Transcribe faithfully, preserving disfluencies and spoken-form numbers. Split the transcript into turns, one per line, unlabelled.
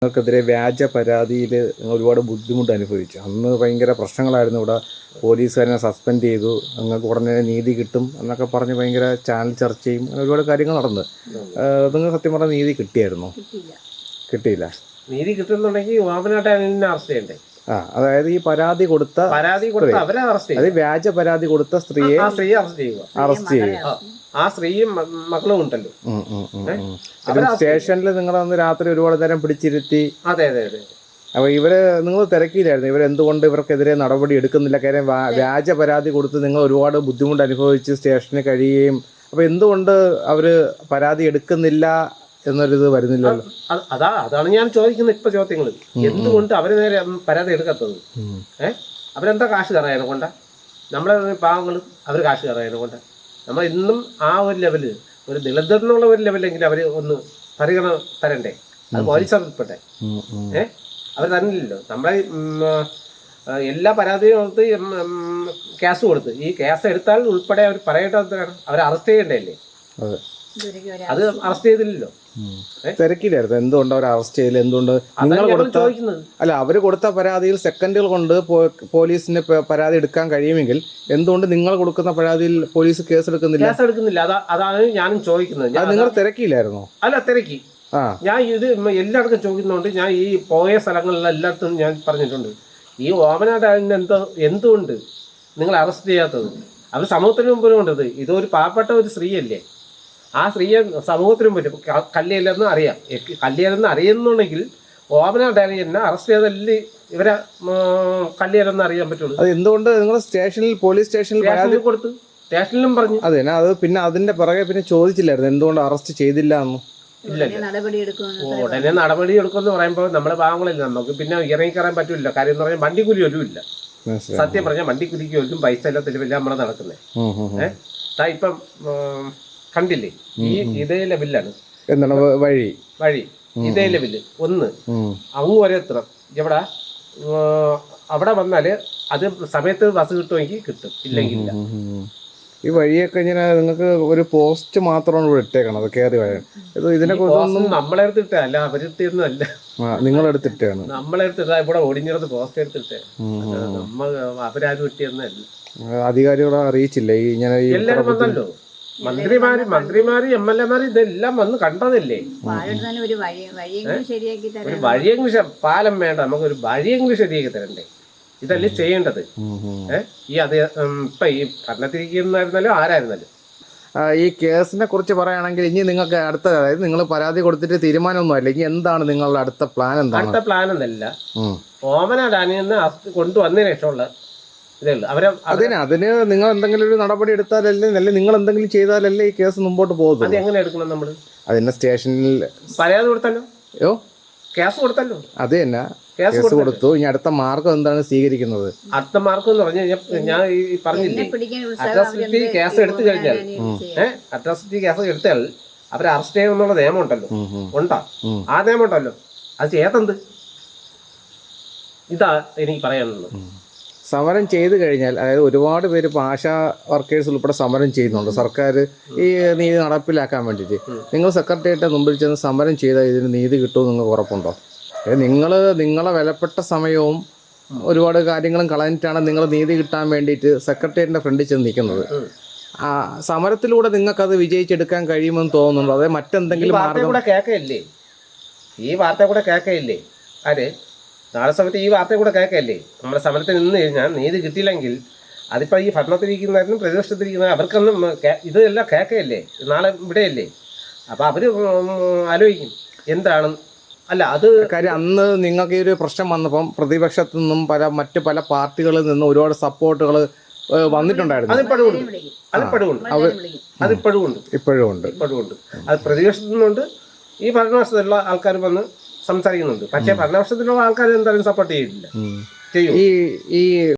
നിങ്ങൾക്കെതിരെ വ്യാജ പരാതിയിൽ ഒരുപാട് ബുദ്ധിമുട്ട് അനുഭവിച്ചു. അന്ന് ഭയങ്കര പ്രശ്നങ്ങളായിരുന്നു. ഇവിടെ പോലീസുകാരനെ സസ്പെൻഡ് ചെയ്തു, നിങ്ങൾക്ക് ഉടനെ നീതി കിട്ടും എന്നൊക്കെ പറഞ്ഞ് ഭയങ്കര ചാനൽ ചർച്ചയും അങ്ങനെ ഒരുപാട് കാര്യങ്ങൾ നടന്നു. നിങ്ങൾ സത്യം പറഞ്ഞാൽ നീതി കിട്ടിയായിരുന്നോ? കിട്ടിയില്ല.
നീതി കിട്ടുന്നുണ്ടെങ്കിൽ വാമനായിട്ട് അറസ്റ്റ് ചെയ്യണ്ടേ?
ആ, അതായത് ഈ പരാതി കൊടുത്ത
പരാതി കൊടുത്ത അവരെ അറസ്റ്റ്
അത് വ്യാജ പരാതി കൊടുത്ത സ്ത്രീയെ
സ്ത്രീയെ അറസ്റ്റ് ചെയ്യുക
അറസ്റ്റ് ചെയ്യുക
ആ സ്ത്രീയും മക്കളും ഉണ്ടല്ലോ
സ്റ്റേഷനിൽ നിങ്ങൾ അന്ന് രാത്രി ഒരുപാട് നേരം പിടിച്ചിരുത്തി.
അതെ അതെ അതെ
അപ്പോൾ ഇവര് നിങ്ങൾ തിരക്കിയില്ലായിരുന്നു, ഇവരെന്തുകൊണ്ട് ഇവർക്കെതിരെ നടപടി എടുക്കുന്നില്ല? കാര്യം വ്യാജ പരാതി കൊടുത്ത് നിങ്ങൾ ഒരുപാട് ബുദ്ധിമുട്ട് അനുഭവിച്ച് സ്റ്റേഷനിൽ കഴിയുകയും, അപ്പോൾ എന്തുകൊണ്ട് അവര് പരാതി എടുക്കുന്നില്ല എന്നൊരിത് വരുന്നില്ലല്ലോ?
അതാ അതാണ് ഞാൻ ചോദിക്കുന്നത് ഇപ്പൊ ചോദ്യങ്ങൾ. എന്തുകൊണ്ട് അവര് നേരെ പരാതി എടുക്കാത്തത്? ഏഹ് അവരെന്താ കാശ് കയറായതിനെ കൊണ്ടാ? നമ്മളെ പാവങ്ങളും അവര് കാശ് കയറായതിനെ കൊണ്ടാ? നമ്മൾ ഇന്നും ആ ഒരു ലെവല്, ഒരു ദളിതെന്നുള്ള ഒരു ലെവലെങ്കിലും അവര് ഒന്ന് പരിഗണന തരണ്ടേ? അത് പോലീസ് ഉൾപ്പെട്ടെ ഏഹ് അവർ തന്നില്ലല്ലോ. നമ്മളെ എല്ലാ പരാതിയും കൊടുത്ത് കേസ് കൊടുത്ത് ഈ കേസ് എടുത്താൽ ഉൾപ്പെടെ അവർ പറയേണ്ടത് അവരെ അറസ്റ്റ് ചെയ്യണ്ടല്ലേ? അത് അറസ്റ്റ് ചെയ്തില്ലല്ലോ.
തിരക്കില്ലായിരുന്നു. എന്തുകൊണ്ട് അവർ അറസ്റ്റ് ചെയ്തില്ല? എന്തുകൊണ്ട് നിങ്ങൾ കൊടുത്ത അല്ല അവര് കൊടുത്ത പരാതിയിൽ സെക്കൻഡുകൾ കൊണ്ട് പോലീസിന് പരാതി എടുക്കാൻ കഴിയുമെങ്കിൽ എന്തുകൊണ്ട് നിങ്ങൾ കൊടുക്കുന്ന പരാതിയിൽ പോലീസ് കേസ് എടുക്കുന്നില്ല?
കേസ് എടുക്കുന്നില്ല അതാ അതാണ് ഞാനും ചോദിക്കുന്നത്.
നിങ്ങൾ തിരക്കിയില്ലായിരുന്നോ?
അല്ല തിരക്കി. ഞാൻ ഇത് എല്ലായിടത്തും ചോദിക്കുന്നതുകൊണ്ട് ഞാൻ ഈ പോയ സ്ഥലങ്ങളിലെല്ലാം എല്ലായിടത്തും ഞാൻ പറഞ്ഞിട്ടുണ്ട്. ഈ ഓമനാടാലിന് എന്തോ എന്തുകൊണ്ട് നിങ്ങൾ അറസ്റ്റ് ചെയ്യാത്തത്? അവർ സമൂഹത്തിന് മുമ്പിലും കൊണ്ടത് ഇതൊരു പാവപ്പെട്ട ഒരു സ്ത്രീയല്ലേ? ആ സ്ത്രീയെ സമൂഹത്തിനും പറ്റും. കല്ലിയല്ലെന്ന് അറിയാം, കല്ലിയല്ലെന്ന് അറിയുന്നുണ്ടെങ്കിൽ ഓമനാടാലി എന്നെ അറസ്റ്റ് ചെയ്തല്ലേ ഇവരെ കല്ലിയല്ലെന്ന് അറിയാൻ പറ്റുള്ളൂ.
അത് എന്തുകൊണ്ട് നിങ്ങൾ സ്റ്റേഷനിൽ പോലീസ് സ്റ്റേഷനിൽ പരാതി
കൊടുത്തു? സ്റ്റേഷനിലും പറഞ്ഞു.
അതെ, അത് പിന്നെ അതിന്റെ പുറകെ പിന്നെ ചോദിച്ചില്ലായിരുന്നു എന്തുകൊണ്ട് അറസ്റ്റ് ചെയ്തില്ല എന്ന്?
ഇല്ല ഉടനെ നടപടി എടുക്കുമെന്ന് പറയുമ്പോൾ നമ്മളെ ഭാഗങ്ങളില്ല, നമുക്ക് പിന്നെ ഇറങ്ങിക്കറാൻ പറ്റില്ല. കാര്യം എന്ന് പറഞ്ഞാൽ വണ്ടിക്കൂലി ഒന്നും ഇല്ല. സത്യം പറഞ്ഞാൽ വണ്ടിക്കൂലിക്ക് ഒന്നും പൈസ ഇല്ല, തെരുവില്ല നമ്മളെ നടക്കുന്നത്. ഏഹ് ഇപ്പം കണ്ടില്ലേ, ഈ ഇതേ ലെവലിലാണ്.
എന്താണ് വഴി
വഴി ഇതേ ലെവല് ഒന്ന് അങ്ങ് വരെ എത്തണം. എവിടെ അവിടെ വന്നാല് അത് സമയത്ത് ബസ് കിട്ടുമെങ്കിൽ കിട്ടും, ഇല്ലെങ്കിൽ ഇല്ല.
ഈ വഴിയൊക്കെ ഇങ്ങനെ നിങ്ങൾക്ക് ഒരു പോസ്റ്റ് മാത്രമാണ് ഇവിടെ ഇട്ടേക്കണം, അത് കയറി വരാൻ. ഇത് ഇതിനെ കുറിച്ചൊന്നും
നമ്മളെ അടുത്തിട്ടേ അല്ല, അവരെടുത്തൊന്നും അല്ല,
നിങ്ങളെടുത്തിട്ടാണ്.
നമ്മളെ അടുത്തിട്ടാ ഇവിടെ ഓടിഞ്ഞിടത്ത് പോസ്റ്റ് എടുത്തിട്ടേ. നമ്മ അവരാരും ഇട്ടിയൊന്നല്ല.
അധികാരികളെ അറിയിച്ചില്ല ഈ ഇങ്ങനെ?
എല്ലാരും വന്നല്ലോ, മന്ത്രിമാര് മന്ത്രിമാര് എം എൽ എമാര് ഇതെല്ലാം വന്ന് കണ്ടതല്ലേ. ഒരു വഴിയെങ്കിലും പാലം വേണ്ട, നമുക്കൊരു വഴിയെങ്കിലും ശരിയാക്കി തരണ്ടേ? ഇതല്ലേ ചെയ്യേണ്ടത്. ഏഹ് ഈ അത് ഇപ്പൊ ഈ ഭരണത്തിരിക്കുന്നായിരുന്നാലും ആരായിരുന്നാലും.
ഈ കേസിനെ കുറിച്ച് പറയുകയാണെങ്കിൽ ഇനി നിങ്ങൾക്ക് അടുത്ത, അതായത് നിങ്ങൾ പരാതി കൊടുത്തിട്ട് തീരുമാനമൊന്നും അല്ല, ഇനി എന്താണ് നിങ്ങളുടെ അടുത്ത പ്ലാൻ? എന്താണ്
അടുത്ത പ്ലാൻ? എന്നല്ല, ഓമനാടാനിന്ന് കൊണ്ടുവന്നതിന് ശേഷമുള്ള ഇതേ ഉള്ളൂ. അവരെ
അതിന് അതിന് നിങ്ങൾ എന്തെങ്കിലും ഒരു നടപടി എടുത്താലല്ലേ, അല്ലെ നിങ്ങൾ എന്തെങ്കിലും ചെയ്താലല്ലേ ഈ കേസ് മുമ്പോട്ട് പോകുന്നത്?
അത് എങ്ങനെ എടുക്കണം നമ്മള്?
അതിന്റെ സ്റ്റേഷനിൽ
പരാതി കൊടുത്തല്ലോ, യോ കേസ് കൊടുത്തല്ലോ.
അത് തന്നെ കേസ് കൊടുത്തു. ഇനി അടുത്ത മാർഗം എന്താണ് സ്വീകരിക്കുന്നത്?
അടുത്ത മാർഗം എന്ന് പറഞ്ഞാൽ ഞാൻ ഈ പറഞ്ഞില്ലേ, അട്രോസിറ്റി കേസ് എടുത്തു കഴിഞ്ഞാൽ ഏഹ് അട്രോസിറ്റി കേസ് എടുത്താൽ അവരെ അറസ്റ്റ് ചെയ്യുമെന്നുള്ള നിയമം ഉണ്ടല്ലോ, ഉണ്ടോ? ആ നിയമം ഉണ്ടല്ലോ, അത് ചെയ്യാത്തത്. ഇതാ എനിക്ക് പറയാനുള്ളത്.
സമരം ചെയ്തു കഴിഞ്ഞാൽ, അതായത് ഒരുപാട് പേര് ഇപ്പോൾ ആശാ വർക്കേഴ്സ് ഉൾപ്പെടെ സമരം ചെയ്യുന്നുണ്ട് സർക്കാർ ഈ നീതി നടപ്പിലാക്കാൻ വേണ്ടിയിട്ട്. നിങ്ങൾ സെക്രട്ടേറിയറ്റ് മുമ്പിൽ ചെന്ന് സമരം ചെയ്താൽ ഇതിന് നീതി കിട്ടുമെന്ന് നിങ്ങൾക്ക് ഉറപ്പുണ്ടോ? നിങ്ങൾ നിങ്ങളെ വിലപ്പെട്ട സമയവും ഒരുപാട് കാര്യങ്ങളും കളഞ്ഞിട്ടാണ് നിങ്ങൾ നീതി കിട്ടാൻ വേണ്ടിയിട്ട് സെക്രട്ടേറിയറ്റിൻ്റെ ഫ്രണ്ടിൽ ചെന്ന് നിൽക്കുന്നത്. ആ സമരത്തിലൂടെ നിങ്ങൾക്കത് വിജയിച്ചെടുക്കാൻ കഴിയുമെന്ന് തോന്നുന്നുണ്ടോ? അതായത് മറ്റെന്തെങ്കിലും മാർഗം
കൂടെ കേൾക്കയില്ലേ? ഈ വാർത്ത കൂടെ കേൾക്കയില്ലേ? ആര് നാളെ സമയത്ത് ഈ വാർത്ത കൂടെ കേൾക്കല്ലേ? നമ്മുടെ സമരത്തിൽ നിന്ന് കഴിഞ്ഞാൽ നീതി കിട്ടിയില്ലെങ്കിൽ അതിപ്പോൾ ഈ ഭരണത്തിലിരിക്കുന്നവരും പ്രതിപക്ഷത്തിരിക്കുന്ന അവർക്കൊന്നും ഇതെല്ലാം കേൾക്കയല്ലേ? നാളെ ഇവിടെയല്ലേ? അപ്പോൾ അവർ ആലോചിക്കും എന്താണ്. അല്ല അത്
കാര്യം അന്ന് നിങ്ങൾക്ക് ഈ ഒരു പ്രശ്നം വന്നപ്പം പ്രതിപക്ഷത്തു നിന്നും പല മറ്റ് പല പാർട്ടികളിൽ നിന്നും ഒരുപാട് സപ്പോർട്ടുകൾ വന്നിട്ടുണ്ടായിരുന്നു.
അതിപ്പോഴും ഉണ്ട്, അതിപ്പോഴും ഉണ്ട്, അതിപ്പോഴും ഉണ്ട്, ഇപ്പോഴും ഉണ്ട്, ഇപ്പോഴും ഉണ്ട്. അത് പ്രതിപക്ഷത്തു നിന്നുണ്ട്, ഈ ഭരണപക്ഷത്തുള്ള ആൾക്കാർ വന്ന് സംസാരിക്കുന്നുണ്ട്. പക്ഷേ ഭരണപക്ഷത്തിലുള്ള ആൾക്കാർ എന്തായാലും സപ്പോർട്ട് ചെയ്യില്ല, ചെയ്യും.
ഈ ഈ